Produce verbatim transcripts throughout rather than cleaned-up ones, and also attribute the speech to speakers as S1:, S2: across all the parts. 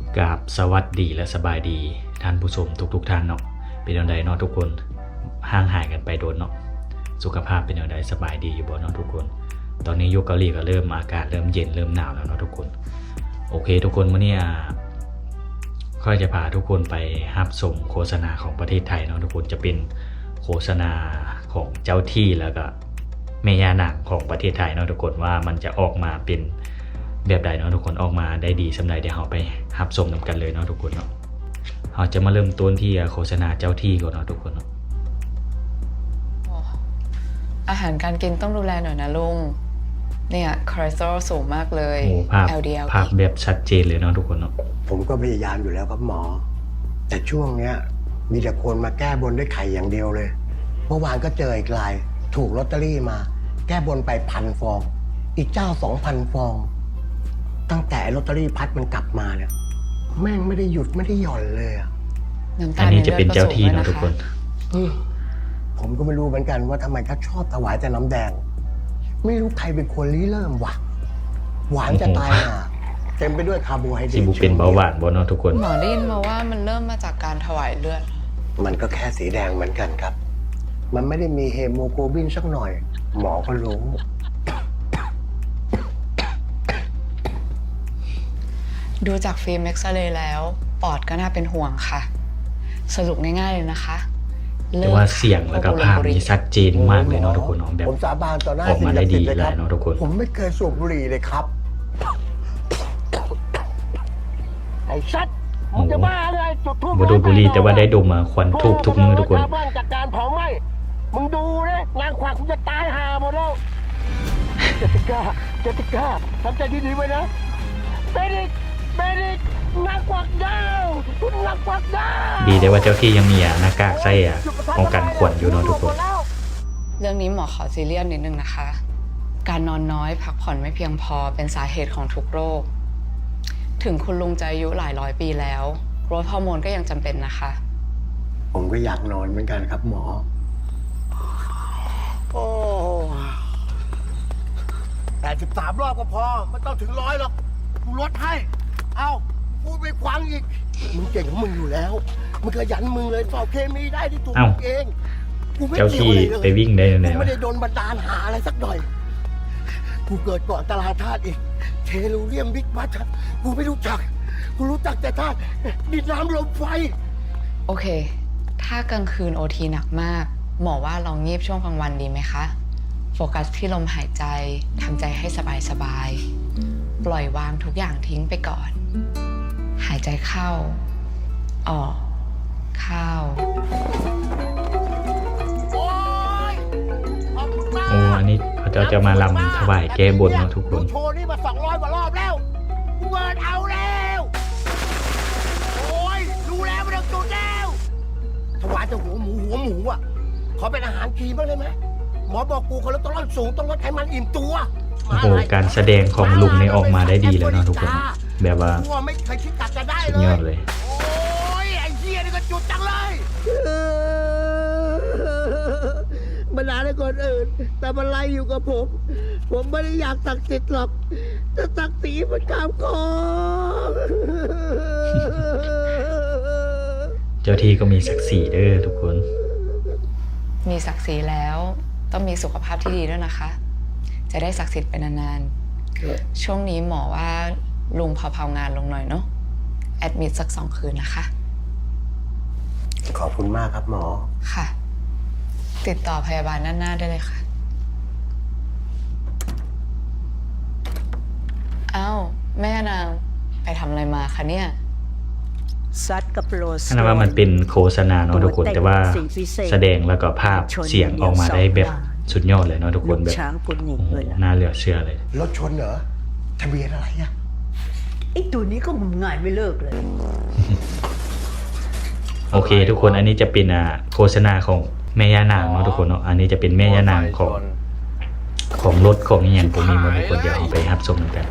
S1: กราบสวัสดีและสบายดีท่านผู้ชมทุกๆทท่านเนาะเป็นอย่างไรเนาะทุกคนห่างหายกันไปโดนเนาะสุขภาพเป็นอย่างไรสบายดีอยู่บ่เนาะทุกคนตอนนี้ยุคเกาหลีก็เริ่มอากาศเริ่มเย็นเริ่มหนาวแล้วเนาะทุกคนโอเคทุกคนวันนี้ค่อยจะพาทุกคนไปรับชมโฆษณาของประเทศไทยเนาะทุกคนจะเป็นโฆษณาของเจ้าที่แล้วก็แม่ย่านางของประเทศไทยเนาะทุกคนว่ามันจะออกมาเป็นแบบใดเนาะทุกคนออกมาได้ดีสำหรับเดี๋ยวเราไปรับชมนำกันเลยเนาะทุกคนเนาะเราจะมาเริ่มต้นที่โฆษณาเจ้าที่ก่อนเนาะทุกคนเนาะ
S2: อาหารการกินต้องดูแลหน่อยนะลุงเนี่ยคอเลสเตอรอลสูงมากเลย
S1: โอ้ภาพ
S2: แอล ดี แอล
S1: ภาพแบบชัดเจนเลยเนาะทุกคนเนาะ
S3: ผมก็พยายามอยู่แล้วครับหมอแต่ช่วงเนี้ยมีแต่คนมาแก้บนด้วยไข่อย่างเดียวเลยเมื่อวานก็เจออีกรายถูกลอตเตอรี่มาแก้บนไปพันฟองอีกเจ้าสองพันฟองตั้งแต่ลอตเตอรี่พัดมันกลับมาเนี่ยแม่งไม่ได้หยุดไม่ได้หย่อนเลยอ่ะ
S1: อันนี้จะเป็นเจ้าที่เนาะทุกคน
S3: ผมก็ไม่รู้เหมือนกันว่าทำไมเขาชอบถวายแต่น้ำแดงไม่รู้ใครเป็นคนริเริ่มวะหวานจะตายห่าเต็มไปด้วยคาร์โบไฮเดรต
S1: สิบุเป็นเบาหวานบ่เนาะทุกคน
S2: หมอได้ยินมาว่ามันเริ่มมาจากการถวายเลือด
S3: มันก็แค่สีแดงเหมือนกันครับมันไม่ได้มีเฮโมโกลบินสักหน่อยหมอก็รู้
S2: ดูจากฟิล์มเอ็กซเรย์แล้วปอดก็น่าเป็นห่วงค่ะสรุปง่ายๆเลยนะคะ
S1: แต่ว่าเสียงแล้วก็ภาพนี่ชัดเจนมากเลยเนาะทุกคนเนาะแบบ
S3: ผมสาบานต่อหน้า
S1: ออกมาได้ดีเลยเนาะทุกคน
S3: ผมไม่เคยสูบบุหรี่เลยครับไอ้ชัดมึงจะบ้าเลยจุดทูบ
S1: บ่ดูบุหรี่แต่ว่าได้ดมมาควันทูบทุกมือทุกคน
S3: จากการเผาไหม้มึงดูนะนางขวากคุณจะตายห่าหมดแล้วเจติก้าเจติก้าทำใจดีๆไว้นะเบดิกเบดิกนางกวักดาวคุณนางกวักดาว
S1: ดีแต่ว่าเจ้าที่ยังมีหน้ากากใส่ป้องกันขวัญอยู่เนาะทุกคน
S2: เรื่องนี้หมอขอซีเรียสนิดนึงนะคะการนอนน้อยพักผ่อนไม่เพียงพอเป็นสาเหตุของทุกโรคถึงคุณลุงจะอายุหลายร้อยปีแล้วโกรทฮอร์โมนก็ยังจำเป็นนะคะ
S3: ผมก็อยากนอนเหมือนกันครับหมอโอ้แปดสิบสามรอบก็พอไม่ต้องถึงร้อยหรอกกูลดให้เอาพูดไปควังอีกมึงเก่งของมึงอยู่แล้วมึงขยันมึงเลยสอบเคมีได้ที่ถูกเอง
S1: กูไม่เจ้าที่ไปวิ่งได้ยังไงวะ
S3: ไม่ได้โดนบันดาลหาอะไรสักหน่อยกูเกิดก่อนตลาดธาตุอีกเทลูเรียมบิ๊กบัตกูไม่รู้จักกูรู้จักแต่ธาตุดินน้ำลมไฟ
S2: โอเคถ้ากลางคืนโอทีหนักมากหมอว่าลองงีบช่วงกลางวันดีไหมคะโฟกัสที่ลมหายใจทำใจให้สบายๆปล่อยวางทุกอย่างทิ้งไปก่อนหายใจเข้าออกเข้า
S3: โอ้ยขอบคุณมาก
S1: โอ้อันนี้เขาจะจะมาลำถวายแก้บนเนาะทุกคน
S3: โชว์นี่มาสองร้อยกว่ารอบแล้วกูเบิร์นเอาแล้วโอ้ยรู้แล้วไม่ต้องจุดแล้วถวายแต่หัวหมูหัวหมูอ่ะขอเป็นอาหารคลีนบ้างได้ไหมหมอบอกกูคอเลสเตอรอลสูงต้องลดไขมันอิ่มตัว
S1: โอ้โหการแสดงของลุงนี่ออกมาได้ดีแล้วเนาะทุกคนแบบว่าสุดยอดเลย
S3: โอ้ยไอ้เหี้ยนี่ก็จุดจังเลยมันด่าให้คนอื่นแต่มันไล่อยู่กับผมผมไม่ได้อยากตักติดหรอกจะตักตีมันข้ามคอ
S1: เจ้าที่ก็มีศักดิ์ศรีเด้อทุกคน
S2: มีศักดิ์ศรีแล้วต้องมีสุขภาพที่ดีด้วยนะคะจะได้ศักดิ์สิทธิ์ไปนานๆช่วงนี้หมอว่าลุงเผาๆงานลงหน่อยเนาะแอดมิดสักสองคืนนะคะ
S3: ขอบคุณมากครับหมอ
S2: ค่ะติดต่อพยาบาลด้านหน้าได้เลยค่ะอ้าวแม่นางไปทำอะไรมาคะเนี่ย
S4: ซัดกับโรส
S1: ขนาดว่ามันเป็นโฆษณาเนาะทุกคนแต่ว่าแสดงแล้วก็ภาพเสียงออกมาได้แบบสุดยอดเลยเนาะทุกคนแบบ
S4: ช้างกุนหญิงเลย
S1: น่าเหลือเชื่อเลย
S3: รถชนเหรอทะเบียนอะไรอะ
S4: ไอ้ตัวนี้ก็งมงายไม่เลิกเลย
S1: โอเคทุกคนอันนี้จะเป็นอ่าโฆษณาของแม่ย่านางเนาะทุกคนเนาะอันนี้จะเป็นแม่ย่านางของของรถของนี่อย่างผมมีหมดทุกคนเดี๋ยวเอาไปรับชมกัน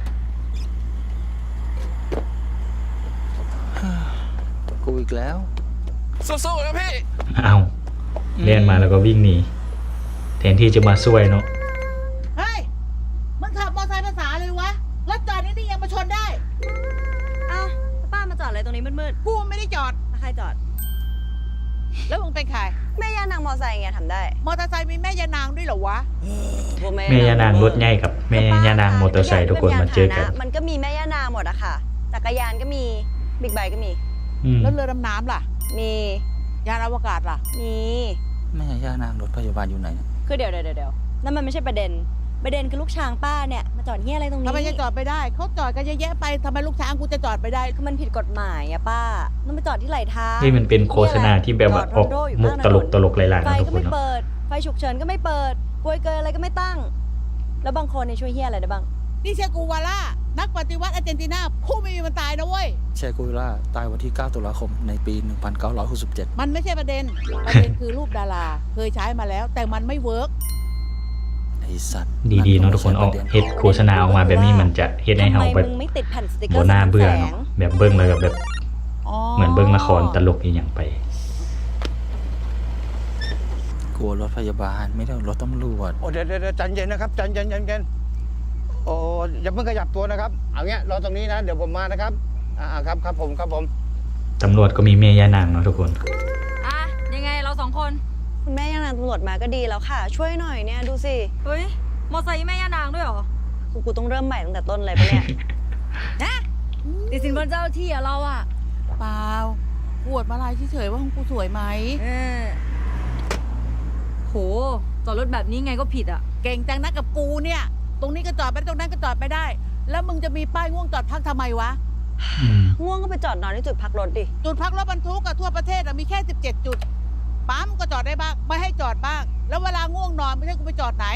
S5: กูอีกแล้วสู้ๆนะพี่
S1: เอาเล่นมาแล้วก็วิ่งหนีแทนที่จะมาช่วยเนาะ
S6: เฮ้ยมึงขับมอเตอร์ไซค์ภาษาเลยวะรถจอดนี่นี่ยังมาชนได้
S7: อ้าวป้า
S6: อะไรตรงนี้มืด
S7: กูไม่ได้จอด
S6: ๆแล้วใครจอด
S7: แล้วมึงเป็นใคร
S6: แม่ย่านางมอไซค์ไงทำได้
S7: มอเตอร์ไซค์มีแม่ยานางด้วยเหรอวะ
S1: แม่ย่านางรถใหญ่กับแม่ย่านางมอเตอร์ไซค์ทุกคนมาเจอกัน
S6: มันก็มีแม่ย่านางหมดอะค่ะ จักรยานก็มี บิ๊กไบค์ก็มี
S1: อืม
S7: แล้วเรือดำน้ำล่ะ
S6: มี
S7: ยานอวกาศล่ะ
S6: มี
S5: แม่ย่านางรถพยาบาลอยู่ไหนเนี่ย
S6: คือเดี๋ยวเดี๋ยวเดี๋ยวนั่นมันไม่ใช่ประเด็น ประเด็นคือลูกช้างป้าเนี่ยมาจอดเฮียอะไรตรงนี้
S7: ทำไมจะจอดไปได้ เขาจอดกันเยอะแยะไปทำไมลูกช้างกูจะจอดไปได้
S6: คือมันผิดกฎหมายอะป้าต้องไปจอดที่ไหลทาง
S1: นี่มันเป็นโฆษณาที่แบบว่าออกมุกตลกตลกๆหลายๆ
S6: ไฟ
S1: นะทุก
S6: ก็
S1: คน
S6: ไม่
S1: เนาะ
S6: เปิด ไฟฉุกเฉินก็ไม่เปิดกลวยเกยอะไรก็ไม่ตั้ง แล้วบางคนเนี่ยช่วยเฮียอะไรได้บ้าง
S7: นี่เชกูวาล่า นักปฏิวัติอาร์เจนตินาผู้ไม่มีวันตายนะเว้ย
S5: เชกุยล่าตายวันที่ เก้า ตุลาคม ในปี หนึ่งพันเก้าร้อยหกสิบเจ็ด
S7: มันไม่ใช่ประเด็น ประเด็นคือรูปดารา เคยใช้มาแล้ว แต่มันไม่เวิร์ก
S5: ไอ้สัตว์
S1: ดีๆเนาะทุกคนออกเฮ็ดโฆษณาออกมาแบบนี้มันจะเฮ็ดให้
S6: ทำ
S1: เฮา
S6: ไม
S1: แบบ
S6: มึงไม่ติดแผ่นสติกเก
S1: บ่
S6: อร์
S1: น่าเบื่อ
S6: แส
S1: เนาะ
S6: ง
S1: แบบเบิ่งแล้วก็แบบเหมือนเบิ่งละครตลกอีหยังไป
S5: กลัวรถพยาบาลไม่ได้รถตำรวจ
S8: โอ้เดี๋ยวเดี๋ยวใจเย็นนะครับใจเย็นใจเย็นโอ้อย่าเพิ่งขยับตัวนะครับเอาเงี้ยรอตรงนี้นะเดี๋ยวผมมานะครับอ่าครับครับผมครับผม
S1: ตำรวจก็มีแม่ย่านางเนาะทุกคน
S9: อ่ะ ยังไงเราสองคน
S6: คุณแม่ย่านางตำรวจมาก็ดีแล้วค่ะ ช่วยหน่อยเนี่ยดูสิ
S9: เฮ้ย มอไซค์แม่ย่านางด้วยเหรอ
S6: กูกูต้องเริ่มใหม่ตั้งแต่ต้นเลยปะเนี่ย
S9: นะติดสินบนเจ้าที่อะเราอะ
S7: เปล่าปวดมาลายเฉยๆว่าของกูสวยไหม
S9: เออโห จอดรถแบบนี้ไงก็ผิดอะ
S7: เก่งจังนะกับกูเนี่ย ตรงนี้ก็จอดไปได้ตรงนั้นก็จอดไปได้ แล้วมึงจะมีป้ายง่วงจอดพักทำไมวะ
S1: อืม
S6: ง่วงก็ไปจอดนอนที่จุดพักรถดิ
S7: จุดพักรถบรรทุกอะทั่วประเทศอะมีแค่สิบเจ็ดจุด ปั๊มก็จอดได้บ้าง ไม่ให้จอดบ้าง แล้วเวลาง่วงนอนไม่ใช่กูไปจอดไหน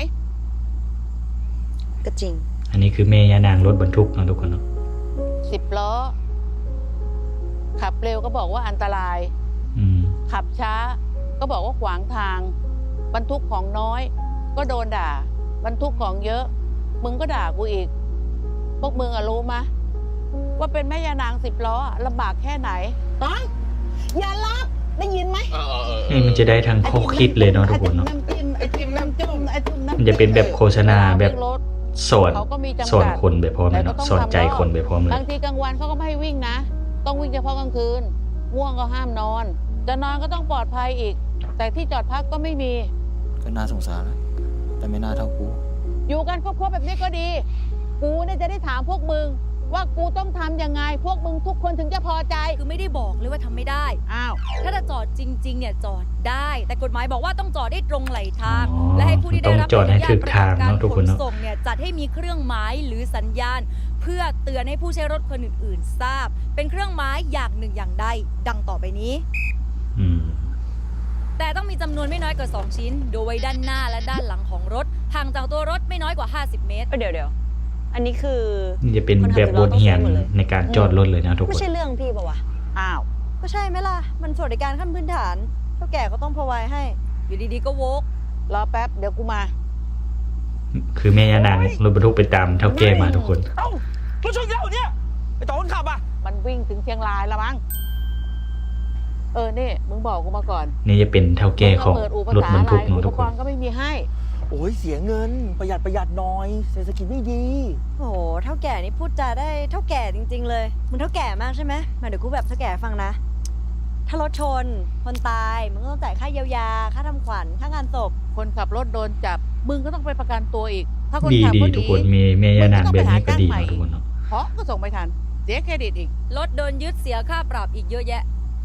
S6: ก็จริง
S1: อันนี้คือแม่ย่านางรถบรรทุกเนาะทุกคนเนาะ
S7: สิบล้อ ขับเร็วก็บอกว่าอันตราย
S1: อืม
S7: ขับช้า ก็บอกว่าขวางทาง บรรทุกของน้อย ก็โดนด่า บรรทุกของเยอะ มึงก็ด่ากูอีก พวกมึงอะรู้มะ ว่าเป็นแม่ยานางสิบล้ออะลำบากแค่ไหนต้องอย่ารับได้ยินไหม
S1: นี่มันจะได้ทั้งข้อคิดเลยเนาะทุกคนเนาะ
S7: น้ำจิ้มไอติมน้ำจุ่มไอติมน้ำ
S1: มันจะเป็นแบบโฆษณาแบบ
S7: รถ
S1: สอน
S7: เขาก็มีจำกัด
S1: สอนคนไปพร้อมเลยเนาะ
S7: แต่ก็ต้อง
S1: สอนใจ
S7: ทำรอบ
S1: คนไปพร้อมเลย
S7: บางทีกลางวันเขาก็ไม่ให้วิ่งนะ ต้องวิ่งเฉพาะกลางคืน ง่วงก็ห้ามนอน จะนอนก็ต้องปลอดภัยอีก แต่ที่จอดพักก็ไม่มี
S5: ก็น่าสงสารนะแต่ไม่น่าเท่ากู
S7: อยู่กันครบๆแบบนี้ก็ดี กูเนี่ยจะได้ถามพวกมึง ว่ากูต้องทำยังไง พวกมึงทุกคนถึงจะพอใจ
S9: คือไม่ได้บอกเลยว่าทำไม่ได้
S7: อ้าว
S9: ถ้าจะจอดจริง ๆ เนี่ยจอดได้ แต่กฎหมายบอกว่าต้องจอดได้ตรงไหลทาง
S1: อ๋อ
S9: และให้ผู้ที่ได้รับ
S1: ต้องจอดให้ถูกทาง
S9: การ
S1: เนาะทุกคนเนาะ
S9: ส่งเนี่ยจัดให้มีเครื่องหมายหรือสัญญาณ เพื่อเตือนให้ผู้ใช้รถคนอื่น ๆ ทราบ เป็นเครื่องหมายอย่างหนึ่งอย่างใดดังต่อไปนี้
S1: อืม
S9: แต่ต้องมีจำนวนไม่น้อยกว่า สอง ชิ้น โดยไว้ด้านหน้าและด้านหลังของรถห่างจากตัวรถไม่น้อยกว่า ห้าสิบ เมตร
S6: เดี๋ยวเดี๋ยวอันนี้คือ
S1: นี่จะเป็นแบบบทเรียนในการจอดรถเลยนะทุกค
S6: ไม่
S1: น
S6: ใช่เรื่องพี่ปะวะ
S7: อ้าว
S6: ก็ใช่ไหมล่ะ มันสวัสดิการขั้นพื้นฐานเท่าแก่ก็ต้องพรอไวให้
S9: อยู่ดีๆก็โวก
S7: รอแป๊บ เดี๋ยวกูมา
S1: คือแม่ย่านางรถบรรทุกไปตามเท่าแก่มาทุกคน
S8: เอ้ารถชนแล้วเนี่ยไอ้ต่อคนขับอ่ะ
S7: มันวิ่งถึงเชียงรายแล้วมั้ง เออ นี่ มึงบอกกูมาก่อน
S1: นี่จะเป็นเท่าแก่ของ
S7: มึเปิดอู่ภาร
S1: ถ
S7: ษา
S1: บรร
S7: อะไร
S1: ทุกเนาะ
S7: อุ
S1: ทุ
S7: ป
S1: ก
S7: ก
S1: คน
S7: รณ์ก็ไม่มีให้
S8: โอ้ยเสียเงินประหยัดประหยัดหน่อยเศรษฐกิจไม่ดี
S6: โอ้โห เท่าแก่นี่พูดจาได้เท่าแก่จริง ๆ เลย มึงเท่าแก่มากใช่ไหมมาเดี๋ยวกูแบบเท่าแก่ฟังนะ ถ้ารถชน คนตาย มึงก็ต้องจ่ายค่าเยียวยา ค่าทำขวัญ ค่างานศพ
S7: คนขับรถโดนจับ มึงก็ต้องไปประกันตัวอีก ถ้าคน
S1: ดี
S7: ขับ
S1: ดี
S7: ก็
S1: ทุก
S7: ดี
S1: คนมีแม่ย่านางแบบนี้ก็ดีเนาะทุกคนเนาะ
S7: เพราะก็ส่งไม่ทัน เสียเครดิตอีก
S9: รถโดนยึดเสียค่าปรับอีกเยอะแยะ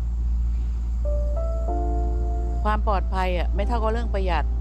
S7: ความปลอดภัยอ่ะไม่เท่ากับเรื่องประหยัด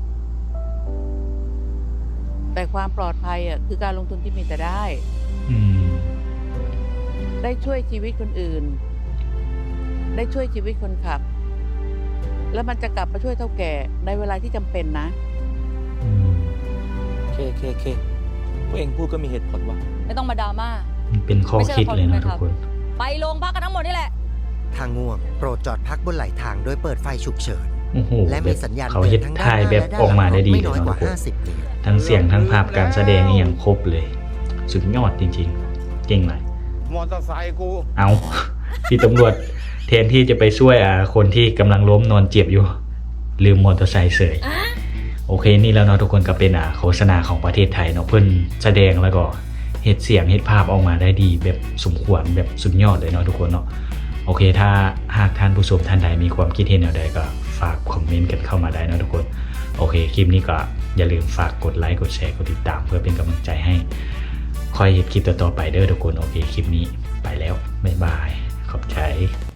S7: แต่ความปลอดภัยอ่ะคือการลงทุนที่มีแต่ได้
S1: อืม
S7: ได้ช่วยชีวิตคนอื่น ได้ช่วยชีวิตคนขับ แล้วมันจะกลับมาช่วยเท่าแก่ในเวลาที่จำเป็นนะ
S1: อืม
S5: เคเคเคพวกเองพูดก็มีเหตุผลว่ะ
S9: ไม่ต้องมาดราม่า
S1: มันเป็นข้อคิดเลยนะทุกคน
S9: ไปโรงพักกันทั้งหมดนี่แหละ
S10: ทางง่วงโปรดจอดพักบนไหลทางโดยเปิดไฟฉุกเฉิน
S1: โอ้โห
S10: และ
S1: แบ
S10: มี
S1: บ
S10: สัญญาณ
S1: เขา
S10: เตื
S1: เฮ็
S10: อ
S1: ด
S10: นทั้ง
S1: ถ่าย
S10: ด้านห
S1: แบ
S10: น้า
S1: บ
S10: และ
S1: ออกมาได้ดี
S10: ไม่
S1: เลย
S10: น้อย
S1: เนาะ
S10: ก
S1: ทุ
S10: ว่าก
S1: คน
S10: ห้าสิบเมตร
S1: ทั้งเสียงทั้งภาพการแสดงนี่อย่างครบเลย สุดยอดจริงๆ เก่งเลย
S8: มอเตอร์ไซค์กู
S1: เอา พี่ตำรวจแทนที่จะไปช่วยอ่ะคนที่กำลังล้มนอนเจ็บอยู่ ลืมมอเตอร์ไซค์เสยโอเคนี่แล้วเนาะทุกคนก็เป็นอ่ะโฆษณาของประเทศไทยเนาะเพิ่นแสดงแล้วก็เฮ็ดเสียงเฮ็ดภาพออกมาได้ดีแบบสมควรแบบสุดยอดเลยเนาะทุกคนเนาะโอเคถ้าหากท่านผู้ชมท่านใดมีความคิดเห็นแนวใดก็ฝากคอมเมนต์กันเข้ามาได้นะทุกคนโอเคคลิปนี้ก็อย่าลืมฝากกดไลค์กดแชร์กดติดตามเพื่อเป็นกำลังใจให้คอยเห็นคลิปต่อๆไปเด้อทุกคนโอเคคลิปนี้ไปแล้วบ๊ายบายขอบใจ